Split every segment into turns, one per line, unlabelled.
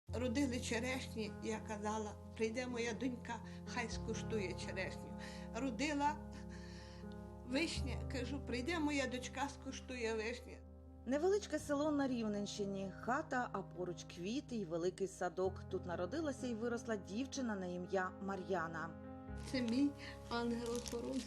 Родили черешні, я казала, прийде моя донька, хай скуштує черешню. Родила вишня, кажу, прийде моя дочка, скуштує вишню.
Невеличке село на Рівненщині, хата, а поруч квіти й великий садок. Тут народилася і виросла дівчина на ім'я Мар'яна.
Це мій ангел-охоронець.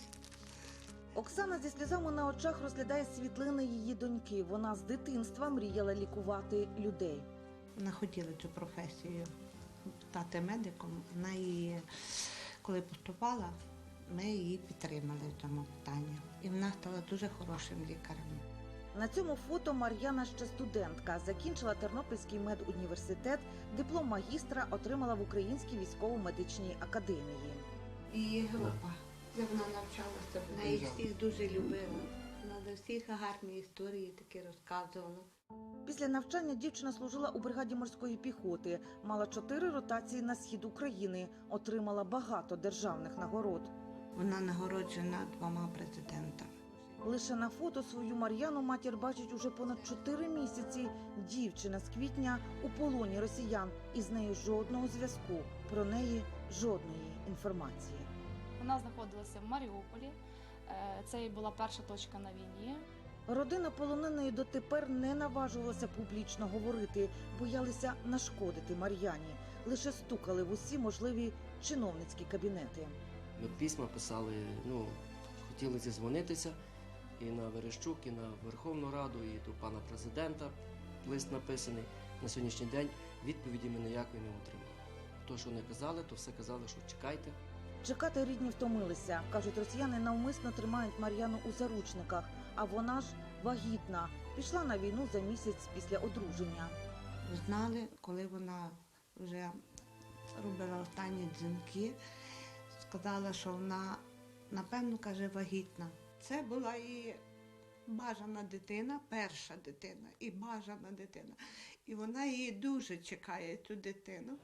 Оксана зі сльозами на очах розглядає світлини її доньки. Вона з дитинства мріяла лікувати людей.
Вона хотіла цю професію стати медиком. Вона її, коли поступала, ми її підтримали в цьому питанні. І вона стала дуже хорошим лікарем.
На цьому фото Мар'яна ще студентка. Закінчила Тернопільський медуніверситет, диплом магістра отримала в Українській військово-медичній академії.
Її група, де вона навчалася, вона їх всіх дуже любила. Вона до всіх гарні історії такі розказувала.
Після навчання дівчина служила у бригаді морської піхоти, мала 4 ротації на схід України, отримала багато державних нагород.
Вона нагороджена 2 президентами.
Лише на фото свою Мар'яну матір бачить уже понад 4 місяці. Дівчина з квітня у полоні росіян, і з нею жодного зв'язку, про неї жодної інформації.
Вона знаходилася в Маріуполі, це і була перша точка на війні.
Родина полоненої дотепер не наважувалася публічно говорити, боялися нашкодити Мар'яні. Лише стукали в усі можливі чиновницькі кабінети.
Ми письма писали, хотіли зізвонитися і на Верещук, і на Верховну Раду, і до пана президента лист написаний. На сьогоднішній день відповіді ми ніякої не отримали. То, що не казали, то все казали, що чекайте.
Чекати рідні втомилися. Кажуть, росіяни навмисно тримають Мар'яну у заручниках, а вона ж вагітна. Пішла на війну за місяць після одруження.
Знали, коли вона вже робила останні дзвінки, сказала, що вона, напевно, каже, вагітна. Це була її бажана дитина, перша дитина і бажана дитина. І вона її дуже чекає, цю дитину.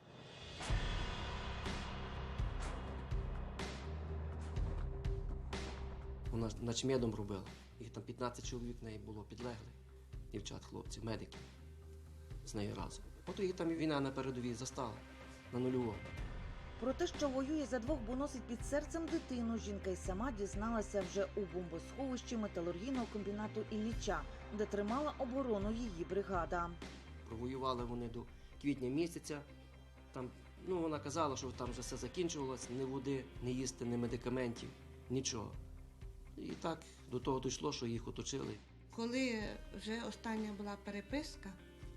Вона начмедом робила. Їх там 15 чоловік в неї було підлеглих, дівчат, хлопців, медиків з нею разом. От її там і війна на передовій застала, на нульовому.
Про те, що воює за двох, бо носить під серцем дитину, жінка й сама дізналася вже у бомбосховищі металургійного комбінату Ілліча, де тримала оборону її бригада.
Провоювали вони до квітня місяця. Там, вона казала, що там вже все закінчувалося, ні води, ні їсти, ні медикаментів, нічого. І так до того дійшло, що їх оточили.
Коли вже остання була переписка,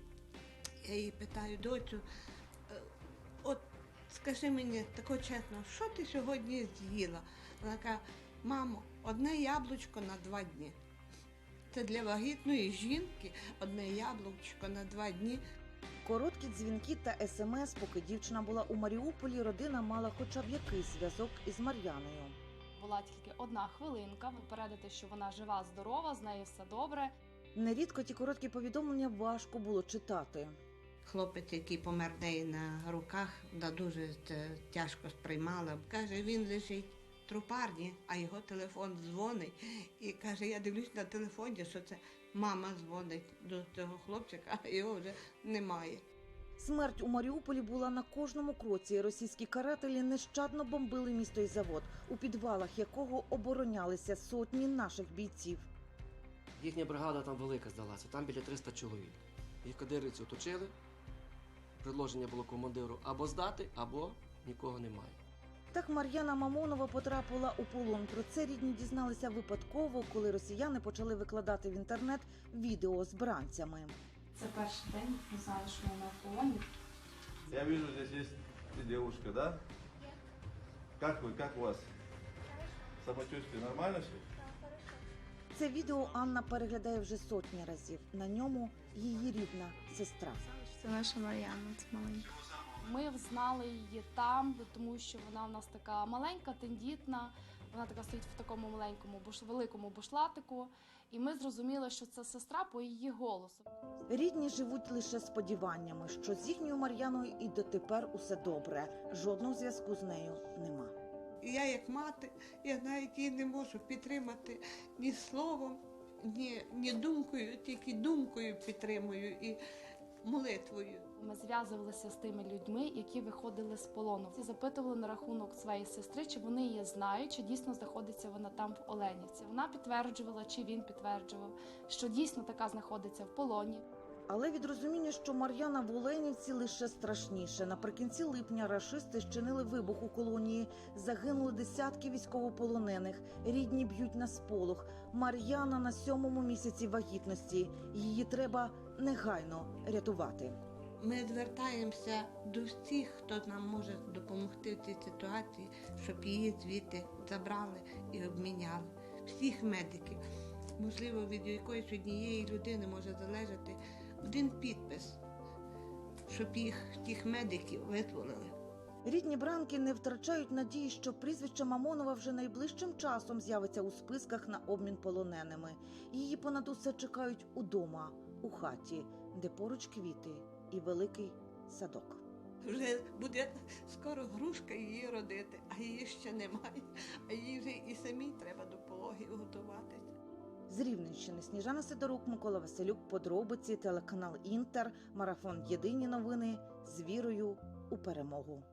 я її питаю, доцю, от скажи мені тако чесно, що ти сьогодні з'їла? Вона каже, мамо, одне яблучко на 2 дні. Це для вагітної жінки одне яблучко на 2 дні.
Короткі дзвінки та СМС, поки дівчина була у Маріуполі, родина мала хоча б якийсь зв'язок із Мар'яною.
Була тільки 1 хвилинка, попередити, що вона жива, здорова, з нею все добре.
Нерідко ті короткі повідомлення важко було читати.
Хлопець, який помер в неї на руках, дуже це тяжко сприймала. Каже, він лежить в трупарні, а його телефон дзвонить. І каже, я дивлюсь на телефоні, що це мама дзвонить до цього хлопчика, а його вже немає.
Смерть у Маріуполі була на кожному кроці. Російські карателі нещадно бомбили місто і завод, у підвалах якого оборонялися сотні наших бійців.
Їхня бригада там велика здалася, там біля 300 чоловік. Їх кадирівці оточили, предложення було командиру або здати, або нікого немає.
Так Мар'яна Мамонова потрапила у полон. Про це рідні дізналися випадково, коли росіяни почали викладати в інтернет відео з бранцями.
Це перший день, не знаю, що вона в полоні.
Я вижу, здесь есть девушка, да? Как вы, как у вас? Самочувствие нормально все?
Це відео Анна переглядає вже сотні разів. На ньому її рідна сестра.
Це наша Мар'яна, це маленька.
Ми взнали її там, тому що вона в нас така маленька, тендітна. Вона така стоїть в такому маленькому, великому бушлатику. І ми зрозуміли, що це сестра по її голосу.
Рідні живуть лише сподіваннями, що з їхньою Мар'яною і дотепер усе добре. Жодного зв'язку з нею нема.
І я як мати, я навіть її не можу підтримати ні словом, ні думкою, тільки думкою підтримую і молитвою.
Ми зв'язувалися з тими людьми, які виходили з полону. І запитували на рахунок своєї сестри, чи вони її знають, чи дійсно знаходиться вона там в Оленівці. Вона підтверджувала, чи він підтверджував, що дійсно така знаходиться в полоні.
Але від розуміння, що Мар'яна в Оленівці, лише страшніше. Наприкінці липня рашисти зчинили вибух у колонії. Загинули десятки військовополонених. Рідні б'ють на сполох. Мар'яна на 7-му місяці вагітності. Її треба негайно рятувати.
Ми звертаємося до всіх, хто нам може допомогти в цій ситуації, щоб її звідти забрали і обміняли. Всіх медиків. Можливо, від якоїсь однієї людини може залежати один підпис, щоб тих медиків визволили.
Рідні Бранки не втрачають надії, що прізвище Мамонова вже найближчим часом з'явиться у списках на обмін полоненими. Її понад усе чекають удома, у хаті, де поруч квіти і великий садок.
Вже буде скоро грушка її родити, а її ще немає. А їй вже і самій треба до пологів готуватися.
З Рівненщини Сніжана Сидорук, Микола Василюк, подробиці, телеканал Інтер, марафон «Єдині новини» з вірою у перемогу.